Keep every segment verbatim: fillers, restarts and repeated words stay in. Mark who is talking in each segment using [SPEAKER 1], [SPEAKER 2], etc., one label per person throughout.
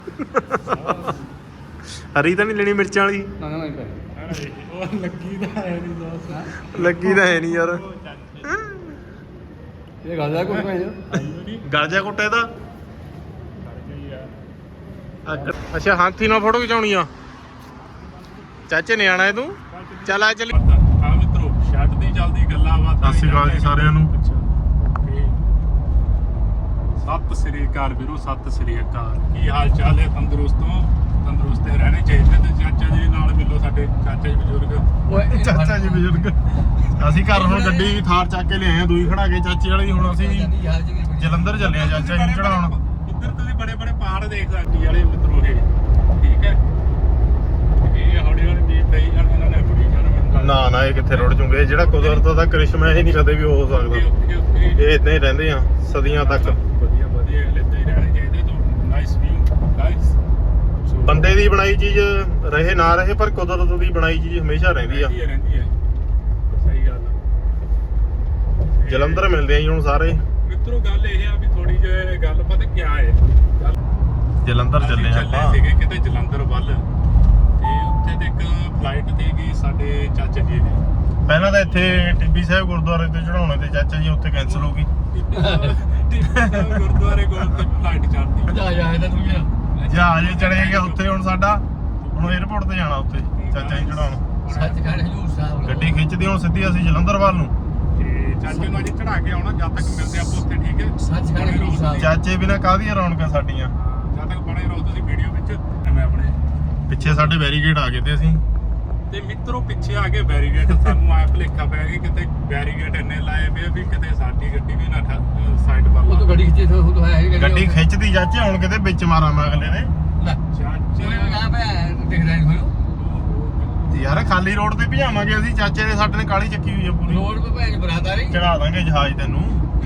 [SPEAKER 1] ਹਰੀ ਤਾਂ ਨਹੀਂ ਲੈਣੀ ਮਿਰਚਾਂ ਵਾਲੀ?
[SPEAKER 2] ਨਾ ਨਾ ਨਹੀਂ ਉਹ ਲੱਗੀ ਤਾਂ ਹੈ ਨਹੀਂ ਦੋਸਤ।
[SPEAKER 1] ਲੱਗੀ ਤਾਂ ਹੈ ਨਹੀਂ ਯਾਰ।
[SPEAKER 2] ਇਹ ਗੱਲ ਆ ਕੋਈ ਭਾਈ
[SPEAKER 1] ਗਲ ਜਾ ਕੁੱਟੇ ਦਾ। ਅੱਛਾ ਹਾਥੀ ਨਾਲ ਫੋਟੋ ਖਿਚਾਉਣੀ ਆ। ਚਾਚੇ ਨੇ ਆਣਾ ਹੈ ਤੂੰ? ਚੱਲ ਆ ਚੱਲੀ।
[SPEAKER 3] ਹਾਂ ਮਿੱਤਰੋ ਸ਼ਰਟ ਦੀ ਚੱਲਦੀ ਗੱਲਾਂ ਬਾਤਾਂ।
[SPEAKER 1] ਸਤਿ ਸ਼੍ਰੀ ਅਕਾਲ ਜੀ ਸਾਰਿਆਂ ਨੂੰ।
[SPEAKER 3] ਸਤਿ ਸ੍ਰੀ ਅਕਾਲ ਵੀਰੋ, ਸਤਿ ਸ੍ਰੀ ਅਕਾਲ। ਕੀ ਹਾਲ ਚਾਲ ਹੈ? ਤੰਦਰੁਸਤੋਂ ਤੰਦਰੁਸਤੇ ਰਹਿਣੇ ਚਾਹੀਦੇ। ਤੇ ਚਾਚਾ ਜੀ ਨਾਲ ਮਿਲੋ, ਸਾਡੇ ਚਾਚਾ ਜੀ ਬਜ਼ੁਰਗ।
[SPEAKER 1] ਚਾਚਾ ਜੀ ਬਜ਼ੁਰਗ। ਅਸੀਂ ਘਰ ਹੁਣ ਗੱਡੀ ਥਾਰ ਚੱਕ ਕੇ ਲਿਆਏ ਆ, ਦੂਈ ਖੜਾ ਕੇ ਚਾਚੇ ਵਾਲੀ। ਹੁਣ ਅਸੀਂ ਜਲੰਧਰ ਚੱਲੇ ਆ ਚਾਚਾ ਜੀ ਨੂੰ ਚੜਾਉਣ।
[SPEAKER 3] ਇੱਧਰ ਤੁਸੀਂ ਬੜੇ ਬੜੇ ਪਹਾੜ ਦੇਖ ਸਕਦੇ ਵਾਲੇ ਮਿੱਤਰੋ ਇਹ। ਠੀਕ ਹੈ, ਇਹ ਹੌਲੀ ਹੌਲੀ ਦੀਪ ਪਈ ਜਾਣ, ਇਹਨਾਂ ਨੇ ਬੜੀ ਜਾਣ।
[SPEAKER 1] ਨਾ ਨਾ ਇਹ ਕਿੱਥੇ ਰੁੜ ਜੂਗੇ। ਜਿਹੜਾ ਕੁਦਰਤ ਦਾ ਕਰਿਸ਼ਮਾ ਇਹ ਨਹੀਂ ਕਦੇ ਵੀ ਹੋ ਸਕਦਾ। ਇਹ ਇਦਾਂ ਹੀ ਰਹਿੰਦੇ ਆ ਸਦੀਆਂ ਤੱਕ।
[SPEAKER 3] ਵਧੀਆ ਵਧੀਆ ਲੈਂਦੇ ਹੀ ਰਹਿਣੇ ਚਾਹੀਦੇ। ਤੋਂ ਨਾਈਸ ਵਿਊ ਗਾਇਸ।
[SPEAKER 1] ਬੰਦੇ ਦੀ ਬਣਾਈ ਚੀਜ਼ ਰਹੇ ਨਾ ਰਹੇ, ਪਰ ਕੁਦਰਤ ਦੀ ਬਣਾਈ ਚੀਜ਼ ਹਮੇਸ਼ਾ ਰਹਿੰਦੀ ਆ।
[SPEAKER 3] ਰਹਿੰਦੀ ਹੈ ਰਹਿੰਦੀ ਹੈ, ਸਹੀ ਗੱਲ ਆ।
[SPEAKER 1] ਜਲੰਧਰ ਮਿਲਦੇ ਆ ਜੀ ਹੁਣ ਸਾਰੇ
[SPEAKER 3] ਮਿੱਤਰੋ। ਗੱਲ ਇਹ ਆ ਵੀ ਥੋੜੀ ਜਿਹੀ ਗੱਲ ਪਤਾ ਕੀ ਹੈ।
[SPEAKER 1] ਜਲੰਧਰ ਚੱਲੇ ਆ
[SPEAKER 3] ਚੱਲੇ
[SPEAKER 1] ਆਪਾਂ।
[SPEAKER 3] ਸੀਗੇ ਕਿਤੇ ਜਲੰਧਰ ਵੱਲ, ਤੇ ਉੱਥੇ ਤੇ ਇੱਕ ਫਲਾਈਟ ਤੇ ਗਈ ਸਾਡੇ ਚਾਚਾ ਜੀ ਦੀ।
[SPEAKER 1] ਪਹਿਲਾਂ ਤਾਂ ਇੱਥੇ ਟਿੱਬੀ ਸਾਹਿਬ ਗੁਰਦੁਆਰੇ ਤੇ ਚੜਾਉਣੇ ਤੇ ਚਾਚਾ ਜੀ ਉੱਥੇ ਕੈਂਸਲ ਹੋ ਗਈ।
[SPEAKER 3] ਗੁਰਦੁਆਰੇ ਕੋਲ ਤੇ ਫਲਾਈਟ ਚੜਦੀ।
[SPEAKER 2] ਜਾ ਜਾ ਇਹਦਾ ਤੂੰ ਗਿਆ
[SPEAKER 1] ਜਹਾਜ਼ ਚੜੇ ਗਿਆ ਉੱਥੇ। ਹੁਣ ਸਾਡਾ ਹੁਣ 에어ਪੋਰਟ ਤੇ ਜਾਣਾ ਉੱਥੇ ਚਾਚਾ ਜੀ ਚੜਾਉਣ।
[SPEAKER 2] ਸੱਚ ਕਹਿੰਦੇ ਹਜੂਰ ਸਾਹਿਬ
[SPEAKER 1] ਗੱਡੀ ਖਿੱਚਦੀ ਹੁਣ ਸਿੱਧੀ ਅਸੀਂ ਜਲੰਧਰ ਵੱਲ ਨੂੰ।
[SPEAKER 3] ਤੇ ਚਾਚੇ ਨੂੰ ਅੱਜ ਚੜਾ ਕੇ ਆਉਣਾ, ਜਦ ਤੱਕ ਮਿਲਦੇ ਆਪਾਂ ਉੱਥੇ। ਠੀਕ ਹੈ,
[SPEAKER 2] ਸੱਚ ਕਹਿੰਦੇ ਹਜੂਰ ਸਾਹਿਬ।
[SPEAKER 1] ਚਾਚੇ ਬਿਨਾਂ ਕਾਹਦੀਆਂ ਰੌਣਕਾਂ ਸਾਡੀਆਂ।
[SPEAKER 3] ਜਦ ਤੱਕ ਬਣੇ ਰਹੋ ਤੁਸੀਂ ਵੀਡੀਓ ਵਿੱਚ। ਮੈਂ ਆਪਣੇ
[SPEAKER 1] ਪਿੱਛੇ ਸਾਡੇ ਬੈਰੀਗੇਡ ਆ ਗਏ ਤੇ ਅਸੀਂ
[SPEAKER 3] ਤੇ ਮਿੱਤਰੋ ਪਿੱਛੇ ਆ ਕੇ ਬੈਰੀਗੇਟ। ਸਾਨੂੰ ਆਇਆ ਭੁਲੇਖਾ ਪੈ ਗਿਆ ਕਿਤੇ ਬੈਰੀਗੇਟ ਇੰਨੇ ਲਾਏ ਪਏ ਵੀ ਕਿਤੇ ਸਾਡੀ ਗੱਡੀ ਵੀ ਨਾ ਸਾਈਡ ਵੱਲ।
[SPEAKER 2] ਉਹ ਤਾਂ ਗੱਡੀ ਖਿੱਚੀ ਤੋਂ ਉਹ ਹੈ
[SPEAKER 1] ਗੱਡੀ ਖਿੱਚਦੀ ਚਾਚੇ ਹੁਣ ਕਿਤੇ ਵਿੱਚ ਮਾਰਾਂ ਮੈਂ ਅਗਲੇ ਨੇ।
[SPEAKER 3] ਚਾਚੇ
[SPEAKER 2] ਉਹਨੇ ਕਹਾ ਪਿਆ ਦਿਖਦਾ ਨਹੀਂ ਹੋਇਓ
[SPEAKER 1] ਯਾਰ ਖਾਲੀ ਰੋਡ ਤੇ ਭਜਾਵਾਂਗੇ ਅਸੀਂ। ਚਾਚੇ ਨੇ ਸਾਡੇ ਨੇ ਕਾਲੀ ਚੱਕੀ ਹੋਈ ਆ ਪੂਰੀ।
[SPEAKER 2] ਰੋਡ 'ਤੇ ਭੈਣ ਬਰਾਤ ਆ ਰਹੀ।
[SPEAKER 1] ਚੜਾ ਦਾਂਗੇ ਜਹਾਜ਼ ਤੈਨੂੰ।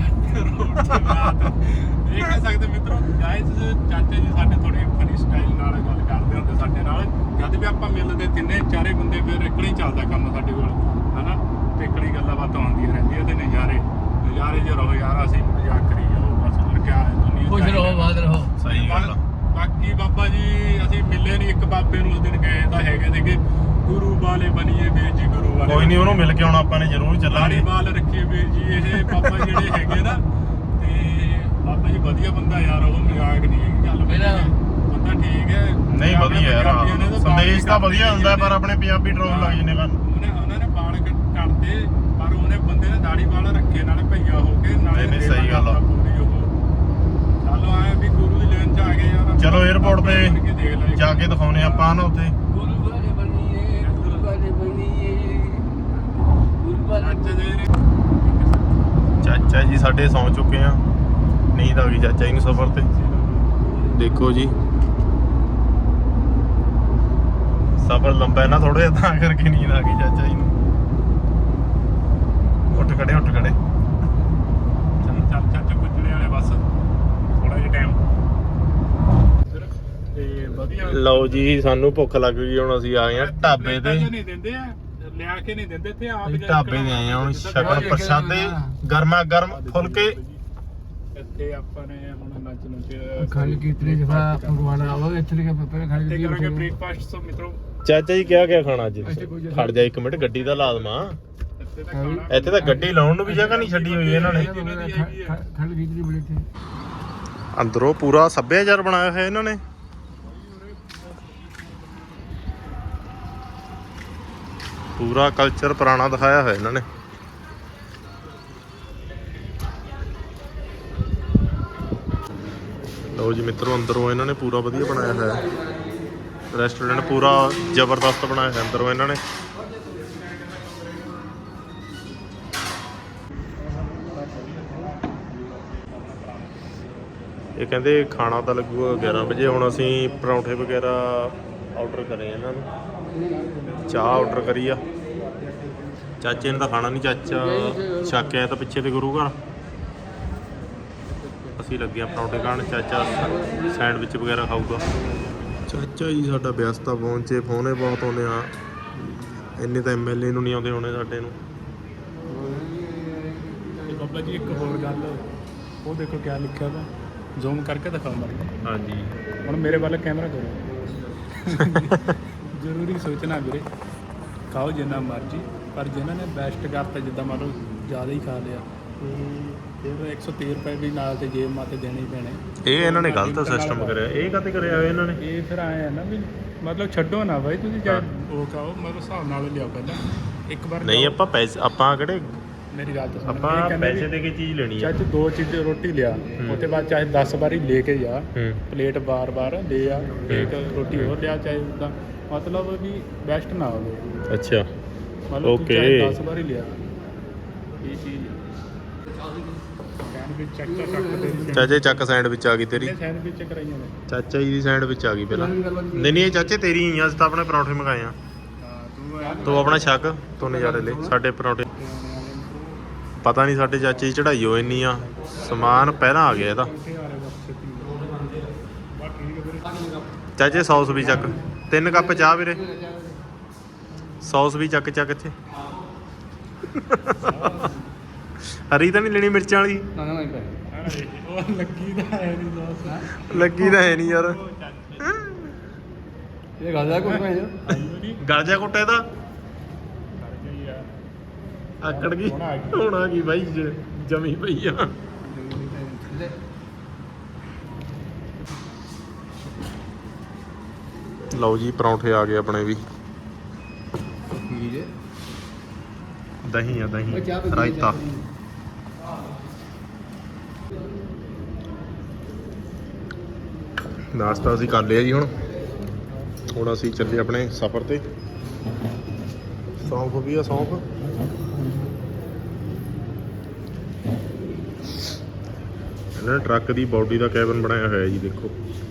[SPEAKER 3] ਇਹ ਕਹਿ ਸਕਦੇ ਮਿੱਤਰੋ ਗਾਇਸ, ਚਾਚਾ ਜੀ ਸਾਡੇ ਥੋੜੇ ਫਨੀ ਸਟਾਈਲ ਨਾਲ ਗੱਲ ਕਰਦੇ ਹੁੰਦੇ ਸਾਡੇ ਨਾਲ। ਜਦ ਵੀ ਆਪਾਂ ਮਿਲਦੇ ਤਿੰਨੇ ਚਾਰੇ ਬੰਦੇ, ਫਿਰ ਇਕੜੀ ਚੱਲਦਾ ਕੰਮ ਸਾਡੇ ਕੋਲ, ਹਨਾ। ਤੇ ਇਕੜੀ ਗੱਲਾਂ ਬਾਤਾਂ ਹੁੰਦੀਆਂ ਰਹਿੰਦੀਆਂ ਤੇ ਨਜ਼ਾਰੇ ਨਜ਼ਾਰੇ ਜੇ ਰਹੋ ਯਾਰ। ਅਸੀਂ ਮਜ਼ਾਕ ਕਰੀ ਜਾਓ ਬਸ, ਹੋਰ ਕੀ ਹੈ ਦੁਨੀਆ।
[SPEAKER 2] ਖੁਸ਼ ਰਹੋ, ਬਾਦ ਰਹੋ।
[SPEAKER 1] ਸਹੀ ਗੱਲ ਆ।
[SPEAKER 3] ਬਾਕੀ ਬਾਬਾ ਜੀ ਅਸੀਂ ਮਿਲੇ ਨਹੀਂ। ਇੱਕ ਬਾਬੇ ਨੂੰ ਉਸ ਦਿਨ ਗਏ ਤਾਂ ਹੈਗੇ ਸੀਗੇ, ਗੁਰੂ ਵਾਲੇ ਬਣੀਏ ਵੀਰ ਜੀ, ਗੁਰੂ ਵਾਲੇ।
[SPEAKER 1] ਕੋਈ ਨਹੀਂ, ਉਹਨੂੰ ਮਿਲ ਕੇ ਆਉਣਾ ਆਪਾਂ ਨੇ, ਜ਼ਰੂਰ ਚੱਲਾਂਗੇ।
[SPEAKER 3] ਵਾਲ ਰੱਖੀਏ ਵੀਰ ਜੀ। ਇਹ ਬਾਬਾ ਜਿਹੜੇ ਹੈਗੇ ਨਾ, ਤੇ ਬਾਬਾ ਜੀ ਵਧੀਆ ਬੰਦਾ ਯਾਰ। ਉਹ ਮਜ਼ਾਕ ਨਹੀਂ ਹੈਗੀ ਗੱਲ। ਬੰਦਾ ਠੀਕ ਹੈ,
[SPEAKER 1] ਨਹੀਂ ਵਧੀਆ ਯਾਰ। ਸੰਦੇਸ਼ ਤਾਂ ਵਧੀਆ ਹੁੰਦਾ, ਪਰ ਆਪਣੇ ਪੰਜਾਬੀ ਟਰੋਲ ਲੱਗ ਜਾਂਦੇ ਕਰਨ।
[SPEAKER 3] ਉਹਨੇ ਉਹਨਾਂ ਨੇ ਵਾਲ ਕੱਟਦੇ, ਪਰ ਉਹਨੇ ਬੰਦੇ ਨੇ ਦਾੜੀ ਵਾਲ ਰੱਖੇ, ਨਾਲੇ ਭਈਆ ਹੋ ਕੇ, ਨਾਲੇ
[SPEAKER 1] ਨਹੀਂ ਸਹੀ ਗੱਲ ਆ।
[SPEAKER 3] ਪੂਰੀ ਉਹ। ਚਲੋ ਆਏ ਵੀ ਗੁਰੂ ਦੀ ਲੈਣ ਚ ਆ ਗਏ ਯਾਰ।
[SPEAKER 1] ਚਲੋ 에어ਪੋਰਟ ਤੇ ਜਾ ਕੇ ਦਿਖਾਉਨੇ ਆਪਾਂ ਨਾ ਉੱਥੇ।
[SPEAKER 2] ਗੁਰੂ ਵਾਲੇ ਬਣੀਏ, ਗੁਰੂ ਵਾਲੇ ਬਣੀਏ, ਗੁਰੂ ਵਾਲੇ।
[SPEAKER 1] ਚਾਚਾ ਜੀ ਸਾਡੇ ਸੌਂ ਚੁੱਕੇ ਆ। ਨੀਂਦ ਆ ਗਈ ਚਾਚਾ ਜੀ ਨੂੰ ਸਫ਼ਰ ਤੇ। ਦੇਖੋ ਜੀ ਸਫ਼ਰ ਲੰਬਾ ਹੈ ਨਾ ਥੋੜਾ ਜਿਹਾ, ਤਾਂ ਕਰਕੇ ਨੀਂਦ ਆ ਗਈ ਚਾਚਾ ਜੀ ਨੂੰ। ਉੱਠ ਖੜੇ ਉੱਠ ਖੜੇ।
[SPEAKER 3] ਚੱਲ ਚੱਲ ਚੱਲ ਪੁੱਜਣੇ ਵਾਲੇ ਬਸ, ਥੋੜਾ ਜਿਹਾ ਟਾਈਮ। ਤੇ ਵਧੀਆ
[SPEAKER 1] ਲਓ ਜੀ ਸਾਨੂੰ ਭੁੱਖ ਲੱਗ ਗਈ। ਹੁਣ ਅਸੀਂ ਆ ਗਏ ਆ ਢਾਬੇ ਤੇ।
[SPEAKER 3] ਨਹੀਂ ਦਿੰਦੇ ਆ, ਲਿਆ ਕੇ ਨਹੀਂ ਦਿੰਦੇ ਇੱਥੇ ਆਪ।
[SPEAKER 1] ਢਾਬੇ ਤੇ ਆਏ ਆ ਹੁਣ ਛਕਣ ਪ੍ਰਸ਼ਾਦੇ, ਗਰਮਾ ਗਰਮ ਫੁਲਕੇ।
[SPEAKER 3] ਇੱਥੇ ਆਪਾਂ ਨੇ ਹੁਣ ਲੰਚ ਨੂੰ
[SPEAKER 2] ਖੰਡ ਕੀਰਤਨੇ ਜਫਾ ਭਗਵਾਨ ਆਵੋ ਇੱਥੇ ਕੇ ਪੇਪਰ ਖੰਡ
[SPEAKER 3] ਤੇ ਕਰਾਂਗੇ
[SPEAKER 2] ਕੀਰਤਨੇ
[SPEAKER 3] ਬ੍ਰੇਕਫਾਸਟ। ਸੋ ਮਿੱਤਰੋ
[SPEAKER 1] ਚਾਚਾ ਜੀ ਕਿਆ ਕਿਆ ਖਾਣਾ ਅੱਜ? ਖੜ ਜਾ ਇੱਕ ਮਿੰਟ, ਗੱਡੀ ਦਾ ਲਾ ਦਵਾਂ।
[SPEAKER 3] ਇੱਥੇ ਤਾਂ ਖਾਣਾ
[SPEAKER 1] ਇੱਥੇ ਤਾਂ ਗੱਡੀ ਲਾਉਣ ਨੂੰ ਵੀ ਜਗ੍ਹਾ ਨਹੀਂ ਛੱਡੀ ਹੋਈ ਇਹਨਾਂ ਨੇ।
[SPEAKER 2] ਖੰਡ ਕੀਰਤਨੇ ਬੜੇ ਥੇ
[SPEAKER 1] ਅੰਦਰੋਂ ਪੂਰਾ ਸੱਭਿਆਚਾਰ ਬਣਾਇਆ ਹੋਇਆ ਇਹਨਾਂ ਨੇ। ਪੂਰਾ ਕਲਚਰ ਪੁਰਾਣਾ ਦਿਖਾਇਆ ਹੋਇਆ ਇਹਨਾਂ ਨੇ। ਲਓ ਜੀ ਮਿੱਤਰੋ, ਅੰਦਰੋਂ ਇਹਨਾਂ ਨੇ ਪੂਰਾ ਵਧੀਆ ਬਣਾਇਆ ਹੋਇਆ ਰੈਸਟੋਰੈਂਟ। ਪੂਰਾ ਜ਼ਬਰਦਸਤ ਬਣਾਇਆ ਹੋਇਆ ਅੰਦਰੋਂ ਇਹਨਾਂ ਨੇ। ਇਹ ਕਹਿੰਦੇ ਖਾਣਾ ਤਾਂ ਲੱਗੂਗਾ ਗਿਆਰਾਂ ਵਜੇ। ਹੁਣ ਅਸੀਂ ਪਰੌਂਠੇ ਵਗੈਰਾ ਆਰਡਰ ਕਰੇ ਇਹਨਾਂ ਨੂੰ, ਚਾਹ ਆਰਡਰ ਕਰੀ ਆ। ਚਾਚੇ ਨੇ ਤਾਂ ਖਾਣਾ ਨਹੀਂ, ਚਾਚਾ ਛੱਕ ਆਇਆ ਤਾਂ ਪਿੱਛੇ ਤੇ ਗੁਰੂ ਘਰ। ਅਸੀਂ ਲੱਗੇ ਆ ਪਰੌਂਠੇ ਖਾਣ, ਚਾਚਾ ਸੈਂਡਵਿਚ ਵਗੈਰਾ ਖਾਊਗਾ। ਚਾਚਾ ਜੀ ਸਾਡਾ ਵਿਅਸਤਾ ਪਹੁੰਚੇ, ਫੋਨੇ ਬਹੁਤ ਆਉਂਦੇ ਆ। ਇੰਨੇ ਤਾਂ ਐਮ ਐਲ ਏ ਨੂੰ ਨਹੀਂ ਆਉਂਦੇ ਹੋਣੇ ਸਾਡੇ ਨੂੰ।
[SPEAKER 3] ਬਾਬਾ ਜੀ ਇੱਕ ਹੋਰ ਗੱਲ, ਉਹ ਦੇਖੋ ਕਿਆ ਲਿਖਿਆ ਵਾ। ਜ਼ੂਮ ਕਰਕੇ ਦਿਖਾਉਂਦਾ।
[SPEAKER 1] ਹਾਂਜੀ
[SPEAKER 3] ਹੁਣ ਮੇਰੇ ਵੱਲ ਕੈਮਰਾ ਕਰੋ। ਜ਼ਰੂਰੀ ਸੋਚਣਾ ਵੀਰੇ, ਖਾਓ ਜਿੰਨਾ ਮਰਜ਼ੀ, ਪਰ ਜਿਨ੍ਹਾਂ ਨੇ ਬੈਸਟ ਕਰਤਾ, ਜਿੱਦਾਂ ਮੰਨ ਲਓ ਜ਼ਿਆਦਾ ਹੀ ਖਾ ਲਿਆ, ਫਿਰ ਇੱਕ ਸੌ ਤੀਹ ਰੁਪਏ ਵੀ ਨਾਲ ਤੇ ਜੇਬ ਮਾਤੇ ਦੇਣੇ ਹੀ ਪੈਣੇ।
[SPEAKER 1] ਇਹ ਇਹਨਾਂ ਨੇ ਗਲਤ ਸਿਸਟਮ ਕਰਿਆ। ਇਹ ਕਾਤੇ ਕਰਿਆ ਹੋਇਆ ਇਹਨਾਂ ਨੇ?
[SPEAKER 3] ਇਹ ਫਿਰ ਆਏ ਆ ਨਾ ਵੀ ਮਤਲਬ ਛੱਡੋ ਨਾ ਬਾਈ, ਤੁਸੀਂ ਚਾਹੇ ਉਹ ਖਾਓ, ਮਤਲਬ ਹਿਸਾਬ ਨਾਲ ਲਿਆਓ ਪਹਿਲਾਂ ਇੱਕ ਵਾਰ।
[SPEAKER 1] ਨਹੀਂ ਆਪਾਂ ਪੈਸੇ, ਆਪਾਂ ਕਿਹੜੇ,
[SPEAKER 3] ਮੇਰੀ ਗੱਲ ਤਾਂ ਸੁਣ,
[SPEAKER 1] ਆਪਾਂ ਪੈਸੇ ਦੇ ਕੇ ਚੀਜ਼ ਲੈਣੀ ਆ।
[SPEAKER 3] ਚਾਹੇ ਤੂੰ ਦੋ ਚੀਜ਼ ਰੋਟੀ ਲਿਆ, ਉਹਦੇ ਬਾਅਦ ਚਾਹੇ ਦਸ ਵਾਰੀ ਲੈ ਕੇ ਜਾ
[SPEAKER 1] ਹੂੰ
[SPEAKER 3] ਪਲੇਟ, ਬਾਰ ਬਾਰ ਲੈ ਆ ਇੱਕ ਰੋਟੀ ਹੋਰ ਲਿਆ, ਚਾਹੇ ਉੱਦਾਂ ਮਤਲਬ ਵੀ ਬੈਸਟ ਨਾ ਹੋਵੇ।
[SPEAKER 1] ਅੱਛਾ
[SPEAKER 3] ਮਤਲਬ ਤੂੰ
[SPEAKER 1] Okay.
[SPEAKER 3] ਚਾਹੇ ਦਸ ਵਾਰੀ ਲਿਆ ਇਹ ਚੀਜ਼। ਸੈਂਡਵਿਚ ਚੱਕ ਚੱਕ
[SPEAKER 1] ਚਾਚੇ ਚੱਕ ਸੈਂਡਵਿਚ ਆ ਗਈ ਤੇਰੀ।
[SPEAKER 3] ਸੈਂਡਵਿਚ ਕਰਾਈਆਂ ਨੇ।
[SPEAKER 1] ਚਾਚਾ ਜੀ ਦੀ ਸੈਂਡਵਿਚ ਆ ਗਈ ਪਹਿਲਾਂ। ਨਹੀਂ ਨਹੀਂ ਇਹ ਚਾਚੇ ਤੇਰੀ ਹੀ ਆ, ਅਸੀਂ ਤਾਂ ਆਪਣੇ ਪਰੌਂਠੇ ਮੰਗਾਏ ਆ।
[SPEAKER 3] ਹਾਂ ਤੂੰ
[SPEAKER 1] ਤੂੰ ਆਪਣਾ ਛੱਕ, ਤੂੰ ਨਜ਼ਾਰੇ ਲੈ। ਸਾਡੇ ਪਰੌਂਠੇ ਪਤਾ ਨਹੀਂ ਸਾਡੇ ਚਾਚੇ ਦੀ ਚੜਾਈ ਹੋ ਇੰਨੀ ਆ, ਸਮਾਨ ਪਹਿਲਾਂ ਆ ਗਿਆ ਇਹਦਾ। ਚਾਚੇ ਸੌਸ ਵੀ ਚੱਕ, ਤਿੰਨ ਕੱਪ ਚਾਹ ਵੀਰੇ, ਸੌਸ ਵੀ ਚੱਕ ਚੱਕ ਇੱਥੇ। ਹਰੀ ਤਾਂ ਨਹੀਂ ਲੈਣੀ ਮਿਰਚਾਂ ਵਾਲੀ?
[SPEAKER 2] ਨਾ ਨਾ ਨਹੀਂ ਪੈ
[SPEAKER 3] ਉਹ ਲੱਗੀ ਤਾਂ ਹੈ ਨਹੀਂ ਦੋਸਤ,
[SPEAKER 1] ਲੱਗੀ ਤਾਂ ਹੈ ਨਹੀਂ ਯਾਰ।
[SPEAKER 2] ਇਹ ਗੱਲ ਆ ਕੋਈ ਨਹੀਂ।
[SPEAKER 1] ਗਲ ਜਾ ਕੁੱਟੇ ਦਾ ਆਕੜ ਗਈ, ਹੁਣ ਆ ਗਈ ਬਾਈ ਜ- ਜਮੀ ਪਈ ਆ। ਲਓ ਜੀ ਪਰੌਂਠੇ ਆ ਗਏ ਆਪਣੇ ਵੀ। ਦਹੀਂ ਆ, ਦਹੀਂ ਰਾਇਤਾ। ਨਾਸ਼ਤਾ ਅਸੀਂ ਕਰ ਲਿਆ ਜੀ। ਹੁਣ ਹੁਣ ਅਸੀਂ ਚੱਲੇ ਆਪਣੇ ਸਫ਼ਰ ਤੇ। ਸੌਂਫ ਵੀ ਆ, ਸੌਂਫ। ਇਹਨਾਂ ਨੇ ਟਰੱਕ ਦੀ ਬਾਡੀ ਦਾ ਕੈਬਨ ਬਣਾਇਆ ਹੋਇਆ ਜੀ, ਦੇਖੋ।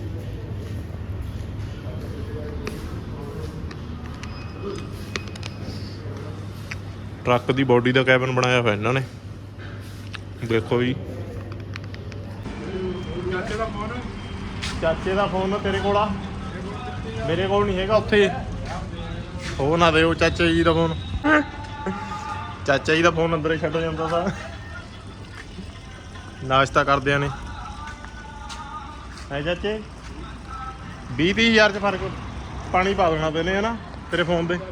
[SPEAKER 1] ਟਰੱਕ ਦੀ ਬਾਡੀ ਦਾ ਕੈਬਨ ਬਣਾਇਆ ਹੋਇਆ ਇਹਨਾਂ ਨੇ, ਦੇਖੋ ਜੀ।
[SPEAKER 3] ਚਾਚੇ ਦਾ ਫੋਨ
[SPEAKER 1] ਚਾਚੇ ਦਾ ਫੋਨ ਤੇਰੇ ਕੋਲ ਆ? ਮੇਰੇ ਕੋਲ ਨਹੀਂ ਹੈਗਾ, ਉੱਥੇ ਉਹ ਨਾ ਦਿਓ ਚਾਚਾ ਜੀ ਦਾ ਫੋਨ। ਚਾਚਾ ਜੀ ਦਾ ਫੋਨ ਅੰਦਰ ਹੀ ਛੱਡ ਜਾਂਦਾ ਤਾਂ। ਨਾਸ਼ਤਾ ਕਰਦਿਆਂ ਨੇ ਹੈ ਚਾਚੇ ਵੀਹ ਤੀਹ ਹਜ਼ਾਰ ਚ ਫਰਕ ਪਾਣੀ ਪਾ ਦੇਣਾ ਤੈਨੇ, ਹਨਾ ਤੇਰੇ ਫੋਨ ਦੇ।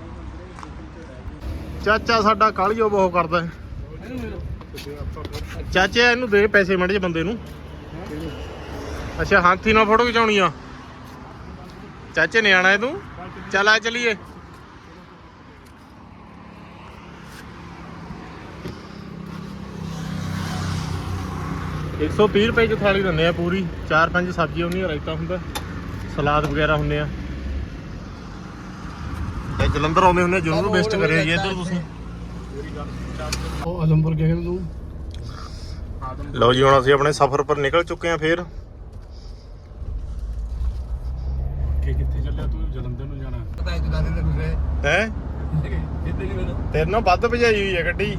[SPEAKER 1] ਚਾਚਾ ਸਾਡਾ ਕਾਹਲੀਓ ਬਹੁਤ ਕਰਦਾ ਹੈ। ਚਾਚੇ ਇਹਨੂੰ ਦੇ ਪੈਸੇ ਮੜੇ ਜੇ ਬੰਦੇ ਨੂੰ। ਅੱਛਾ ਹਾਥੀ ਨਾਲ ਫੋਟੋ ਖਿਚਾਉਣੀ ਆ? ਚਾਚੇ ਨੇ ਆਣਾ ਹੈ ਤੂੰ? ਚੱਲ ਆ ਚਲੀਏ। ਇੱਕ ਸੌ ਤੀਹ ਰੁਪਏ ਚ ਥਾਲੀ ਦਿੰਦੇ ਆ ਪੂਰੀ, ਚਾਰ ਪੰਜ ਸਬਜ਼ੀਆਂ ਹੁੰਦੀਆਂ, ਰਾਇਤਾ ਹੁੰਦਾ, ਸਲਾਦ ਵਗੈਰਾ ਹੁੰਦੇ ਆ। ਤੇ ਜਲੰਧਰ ਆਉਂਦੇ ਹੁੰਦੇ ਜ਼ਰੂਰ ਵਿਜ਼ਿਟ ਕਰਿਓ ਜੀ ਇੱਧਰ ਤੁਸੀਂ।
[SPEAKER 2] ਉਹ ਆਦਮਪੁਰ ਗਿਆ ਤੂੰ?
[SPEAKER 1] ਲਓ ਜੀ ਹੁਣ ਅਸੀਂ ਆਪਣੇ ਸਫ਼ਰ ਪਰ ਨਿਕਲ ਚੁੱਕੇ ਹਾਂ ਫੇਰ।
[SPEAKER 3] ਕਿ ਕਿੱਥੇ ਚੱਲਿਆ ਤੂੰ? ਜਲੰਧਰ ਨੂੰ ਜਾਣਾ?
[SPEAKER 2] ਪਤਾ ਹੈ ਦੁਕਾਨ ਦੇ ਦੂਸਰੇ
[SPEAKER 1] ਹੈ
[SPEAKER 2] ਇੱਥੇ ਨਹੀਂ ਮੈਨੂੰ
[SPEAKER 1] ਤੇਰੇ ਨਾਲ ਵੱਧ ਭਜਾਈ ਹੋਈ ਹੈ ਗੱਡੀ।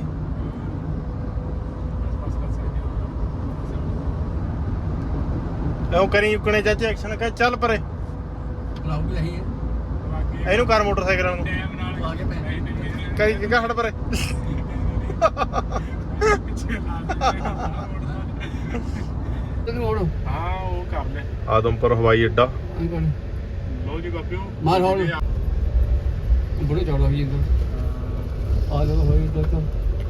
[SPEAKER 1] ਐਉਂ ਕਰੀ ਉਕਣੇ ਚਾਚੇ ਐਕਸ਼ਨ ਕਰ, ਚੱਲ ਪਰੇ
[SPEAKER 2] ਬੁਲਾਉ ਵੀ ਨਹੀਂ ਹੈ।
[SPEAKER 1] ਇਹਨੂੰ ਕਰ ਮੋਟਰਸਾਈਕਲਾਂ ਨੂੰ
[SPEAKER 3] ਟਾਈਮ ਨਾਲ
[SPEAKER 2] ਆ ਕੇ ਪੈ
[SPEAKER 1] ਕਰੀ ਕਿਹੜਾ ਹਟ ਪਰੇ।
[SPEAKER 2] ਤੈਨੂੰ ਹੁਣ
[SPEAKER 3] ਹਾਂ ਉਹ ਕਰ ਲੈ।
[SPEAKER 1] ਆਦਮਪੁਰ ਹਵਾਈ ਅੱਡਾ।
[SPEAKER 2] ਆਈ ਕੋਣ
[SPEAKER 3] ਲੋ ਜੀ ਬਾਬਿਓ,
[SPEAKER 2] ਮਾਰ ਹੌਲ ਬੜੇ ਚੌੜਾ ਵੀ ਇੰਦਰ ਆ ਜਾ ਹੋਈ ਤੱਕ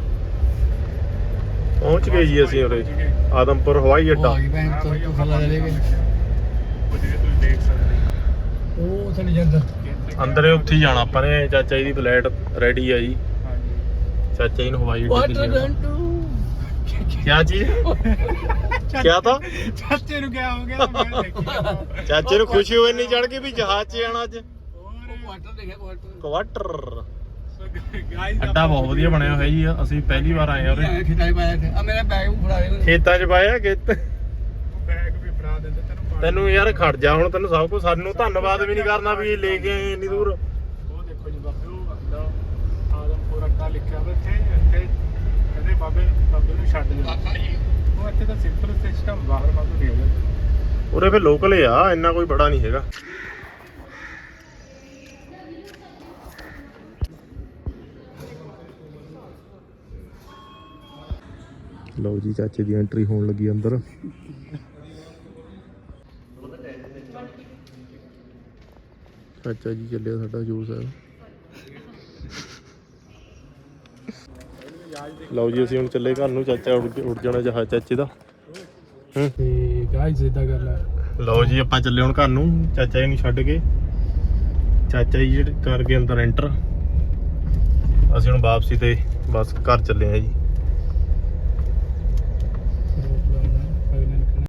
[SPEAKER 1] ਪਹੁੰਚ ਗਏ ਜੀ ਅਸੀਂ ਉਰੇ ਆਦਮਪੁਰ ਹਵਾਈ ਅੱਡਾ।
[SPEAKER 2] ਆ ਗਈ ਭੈਣ ਤੋਂ ਖੱਲਾ ਲੈ ਕੇ
[SPEAKER 3] ਉਹ ਜਿਵੇਂ ਤੁਸੀਂ ਦੇਖ ਸਕਦੇ
[SPEAKER 2] ਉਹ ਥੱਲੇ ਜਾਂਦਾ
[SPEAKER 3] ਹੋ।
[SPEAKER 1] ਅੰਦਰੇ ਉੱਥੇ ਹੀ ਜਾਣਾ ਆਪਾਂ ਨੇ। ਚਾਚਾ ਜੀ ਦੀ ਫਲੈਟ ਰੈਡੀ ਆ ਜੀ।
[SPEAKER 3] ਹਾਂਜੀ
[SPEAKER 1] ਚਾਚਾ ਜੀ ਨੂੰ ਹਵਾਈ ਅੱਡੇ
[SPEAKER 2] ਵਾਟ
[SPEAKER 1] ਤੇ ਲਿਆਉਣਾ।
[SPEAKER 2] ਡੰਟੂ
[SPEAKER 1] ਕਿਆ ਚੀਜ਼? ਕਿਆ ਤਾਂ
[SPEAKER 3] ਚਾਚੇ ਨੂੰ ਕਿਆ ਹੋ ਗਿਆ? ਮੈਂ ਦੇਖਿਆ
[SPEAKER 1] ਚਾਚੇ ਨੂੰ ਖੁਸ਼ੀ ਹੋਈ ਨਹੀਂ ਚੜ ਗਈ ਵੀ ਜਹਾਜ਼ 'ਚ ਜਾਣਾ ਅੱਜ।
[SPEAKER 2] ਕੁਆਟਰ ਦੇਖਿਆ ਕੁਆਟਰ
[SPEAKER 1] ਕੁਆਟਰ
[SPEAKER 3] ਗਾਈਸ
[SPEAKER 1] ਅੱਡਾ ਬਹੁਤ ਵਧੀਆ ਬਣਿਆ ਹੋਇਆ ਜੀ। ਅਸੀਂ ਪਹਿਲੀ ਵਾਰ ਆਏ ਆ ਉਰੇ।
[SPEAKER 2] ਖਿਤਾਈ ਪਾਇਆ ਆ ਮੇਰਾ ਬੈਗ ਫੜਾ ਦੇ
[SPEAKER 1] ਖੇਤਾਂ 'ਚ ਪਾਇਆ ਖੇਤ।
[SPEAKER 3] ਬੈਗ ਵੀ ਫੜਾ ਦਿੰਦੇ ਤੈਨੂੰ।
[SPEAKER 1] ਤੈਨੂੰ ਯਾਰ ਖੜ ਜਾ ਹੁਣ, ਤੈਨੂੰ ਸਭ ਕੁਝ ਸਾਨੂੰ ਧੰਨਵਾਦ ਵੀ ਨਹੀਂ ਕਰਨਾ ਵੀ ਲੈ ਕੇ ਆਏ ਇੰਨੀ ਦੂਰ।
[SPEAKER 3] ਉਹ ਦੇਖੋ ਜੀ ਬਾਬਿਓ, ਅੱਡਾ ਆਦਮਪੁਰ ਅੱਡਾ ਲਿਖਿਆ ਹੋਇਆ ਇੱਥੇ। ਇੱਥੇ ਕਹਿੰਦੇ ਬਾਬੇ ਬਾਬੇ ਨੂੰ ਛੱਡ ਜਾ। ਉਹ ਇੱਥੇ ਤਾਂ ਸਿੰਪਲ ਸਿਸਟਮ ਬਾਹਰ ਬਾਬੂ ਦੇ ਦੇ।
[SPEAKER 1] ਉਰੇ ਫੇ ਲੋਕਲ ਆ, ਇੰਨਾ ਕੋਈ ਬੜਾ ਨਹੀਂ ਹੈਗਾ। ਲਓ ਜੀ ਚਾਚੇ ਦੀ ਐਂਟਰੀ ਹੋਣ ਲੱਗੀ ਅੰਦਰ। ਚਾਚਾ ਜੀ ਚੱਲਿਆ ਸਾਡਾ ਹਜ਼ੂਰ ਸਾਹਿਬ। ਲਓ ਜੀ ਅਸੀਂ ਹੁਣ ਚੱਲੇ ਘਰ ਨੂੰ। ਚਾਚਾ ਉੱਡ ਉੱਡ ਜਾਣਾ ਜਹਾਜ਼ ਚਾਚੇ ਦਾ। ਹੂੰ
[SPEAKER 2] ਤੇ ਗਾਇਸ ਇਦਾਂ ਗੱਲ ਹੈ।
[SPEAKER 1] ਲਓ ਜੀ ਆਪਾਂ ਚੱਲੇ ਹੁਣ ਘਰ ਨੂੰ ਚਾਚਾ ਜੀ ਨੂੰ ਛੱਡ ਕੇ। ਚਾਚਾ ਜੀ ਜਿਹੜੇ ਕਰ ਗਏ ਅੰਦਰ ਐਂਟਰ। ਅਸੀਂ ਹੁਣ ਵਾਪਸੀ ਤੇ ਬਸ ਘਰ ਚੱਲੇ ਆ ਜੀ।